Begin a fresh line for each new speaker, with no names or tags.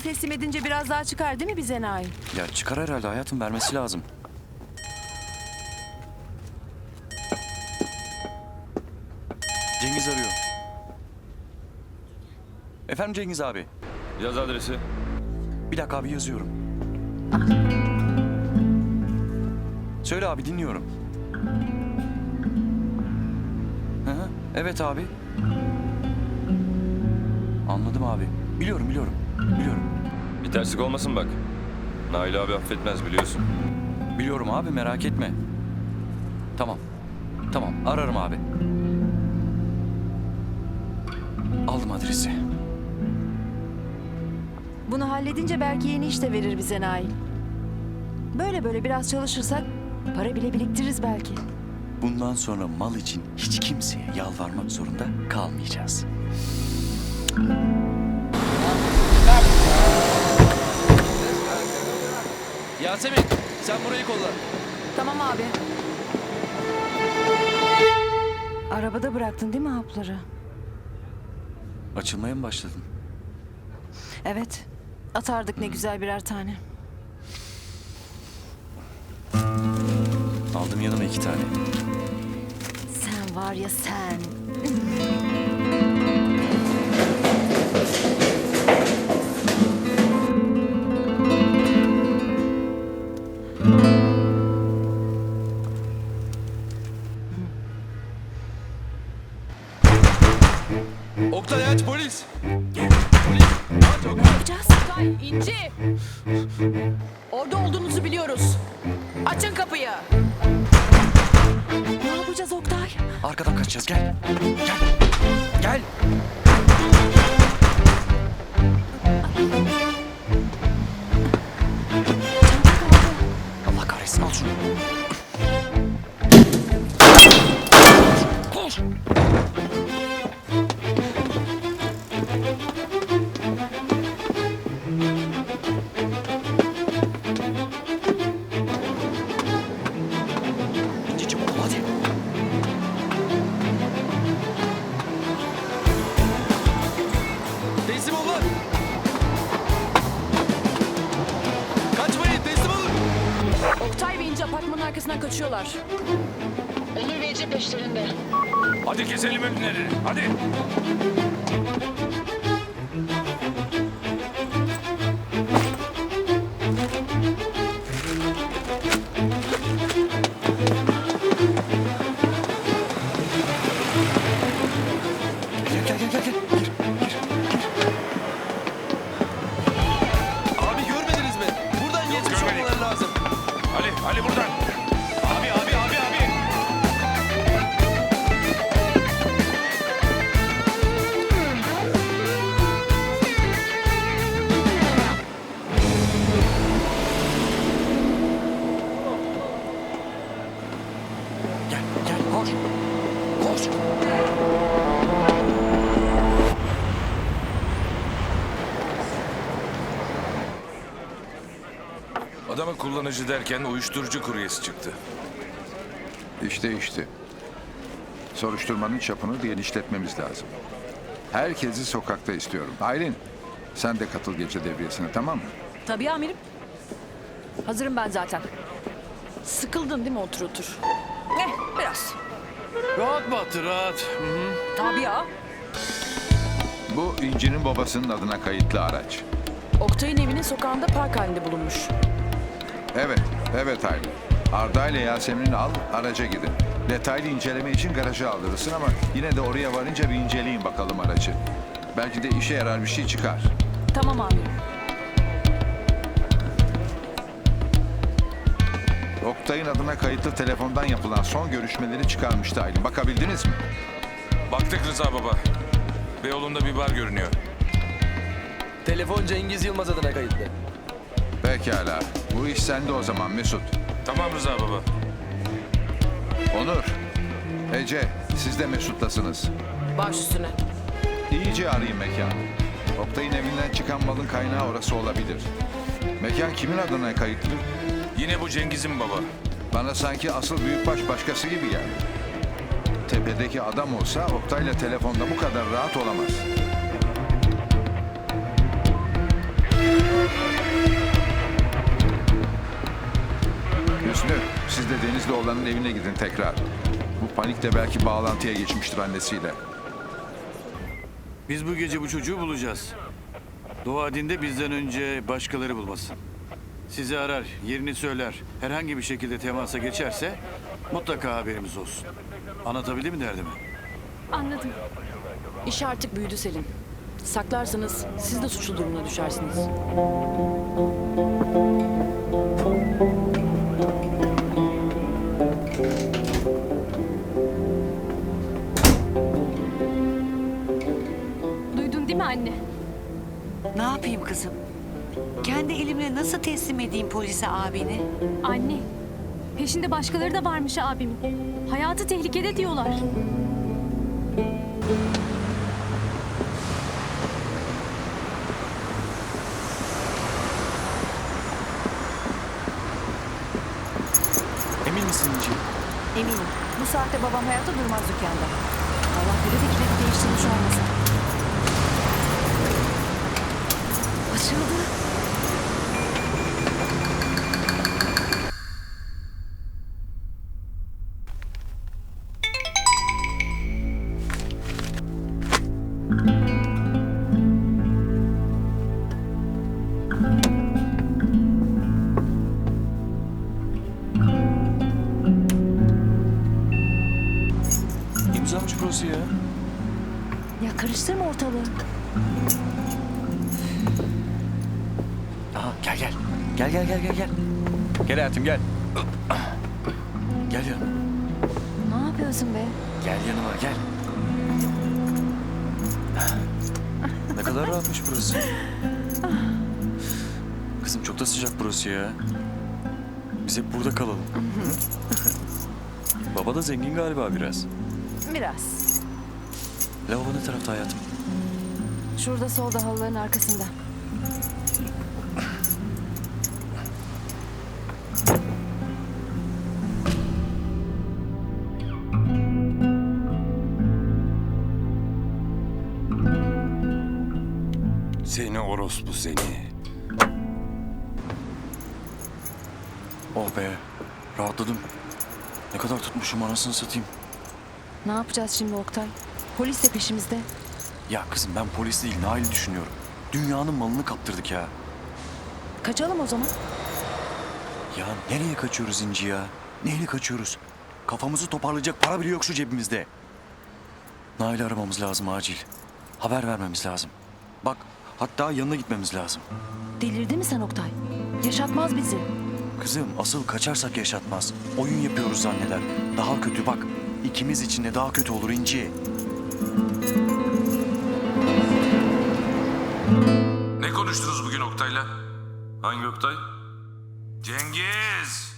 teslim edince biraz daha çıkar değil mi bize Nail?
Ya çıkar herhalde hayatım, vermesi lazım. Cengiz arıyor. Efendim Cengiz abi.
Yaz adresi.
Bir dakika abi, yazıyorum. Söyle abi, dinliyorum. Hı hı, evet abi. Anladım abi. Biliyorum.
Bir terslik olmasın bak. Nail abi affetmez biliyorsun.
Biliyorum abi, merak etme. Tamam, ararım abi. Aldım adresi.
Bunu halledince belki yeni iş de verir bize Nail. Böyle biraz çalışırsak para bile biriktiririz belki.
Bundan sonra mal için hiç kimseye yalvarmak zorunda kalmayacağız.
Yasemin, sen burayı kolla.
Tamam abi. Arabada bıraktın değil mi hapları?
Açılmaya mı başladın?
Evet. Atardık ne güzel birer tane.
Aldım yanıma 2 tane.
Sen var ya sen.
Oktay aç polis.
Ne yapacağız?
İnci! Orada olduğunuzu biliyoruz. Açın kapıyı.
Ne yapacağız Oktay?
Arkadan kaçacağız, gel. Gel. Allah kahretsin, al şunu. Koş. Çabuk ol hadi.
Teslim ol lan. Kaçmayın, teslim olun.
Oktay ve İnci apartmanın arkasından kaçıyorlar. Onur ve Ece peşlerinde.
Hadi keselim önleri. Hadi.
Gel. Gir.
Abi görmediniz mi? Buradan geçmiş
görmedik.
olmaları lazım.
Ali buradan. Abi.
Gel, koş.
Adamı kullanıcı derken uyuşturucu kuryesi çıktı.
İşte. Soruşturmanın çapını genişletmemiz lazım. Herkesi sokakta istiyorum. Aylin, sen de katıl gece devriyesine, tamam mı?
Tabii amirim. Hazırım ben zaten. Sıkıldın değil mi otur? Biraz.
Rahat Batı, rahat.
Tabii ya.
Bu İnci'nin babasının adına kayıtlı araç.
Oktay'ın evinin sokağında park halinde bulunmuş.
Evet Aylin. Arda ile Yasemin'i al, araca gidin. Detaylı inceleme için garaja aldırırsın ama yine de oraya varınca bir inceleyin bakalım aracı. Belki de işe yarar bir şey çıkar.
Tamam amirim.
Oktay'ın adına kayıtlı telefondan yapılan son görüşmeleri çıkarmıştı Aylin. Bakabildiniz mi?
Baktık Rıza baba. Beyoğlu'nda bir bar görünüyor.
Telefon Cengiz Yılmaz adına kayıtlı.
Pekala. Bu iş sende o zaman Mesut.
Tamam Rıza baba.
Onur, Ece, siz de Mesut'tasınız.
Baş üstüne.
İyice arayın mekan. Oktay'ın evinden çıkan malın kaynağı orası olabilir. Mekan kimin adına kayıtlı?
Yine bu Cengiz'in baba.
Bana sanki asıl büyükbaş başkası gibi geldi. Tepedeki adam olsa Oktay'la telefonda bu kadar rahat olamaz. Hüsnü, siz de Denizli oğlanın evine gidin tekrar. Bu panikle belki bağlantıya geçmiştir annesiyle.
Biz bu gece bu çocuğu bulacağız. Dua edin de bizden önce başkaları bulmasın. Sizi arar, yerini söyler. Herhangi bir şekilde temasa geçerse mutlaka haberimiz olsun. Anlatabildim mi derdimi?
Anladım. İş artık büyüdü Selin. Saklarsanız siz de suçlu durumuna düşersiniz.
Duydun değil mi anne?
Ne yapayım kızım? Kendi elimle nasıl teslim edeyim polise abini?
Anne, peşinde başkaları da varmış abimin. Hayatı tehlikede diyorlar.
Emin misin İnci?
Eminim. Bu saatte babam hayatta durmaz dükkanda. Allah bilir de kilidi değiştirmiş olmasın. Açıldı.
İmzamış burası ya.
Ya karıştırma ortalığı.
Aha gel gel. Gel gel gel gel gel. Gel hayatım gel. Gel yanıma.
Ne yapıyorsun be?
Gel yanıma gel. Ne kadar rahatmış burası. Kızım çok da sıcak burası ya. Biz hep burada kalalım. Baba da zengin galiba biraz.
Biraz.
Lavabo ne tarafta hayatım?
Şurada solda halıların arkasında.
Seni orospu seni.
Oh be. Rahatladım. Ne kadar tutmuşum anasını satayım.
Ne yapacağız şimdi Oktay? Polis de peşimizde.
Ya kızım ben polis değil Nail'i düşünüyorum. Dünyanın malını kaptırdık ya.
Kaçalım o zaman.
Ya nereye kaçıyoruz İnci ya? Neyle kaçıyoruz? Kafamızı toparlayacak para bile yok şu cebimizde. Nail'i aramamız lazım acil. Haber vermemiz lazım. Bak hatta yanına gitmemiz lazım.
Delirdi mi sen Oktay? Yaşatmaz bizi.
Kızım asıl kaçarsak yaşatmaz. Oyun yapıyoruz zanneder. Daha kötü bak. İkimiz için de daha kötü olur İnci.
Ne konuştunuz bugün Oktay'la? Hangi Oktay? Cengiz!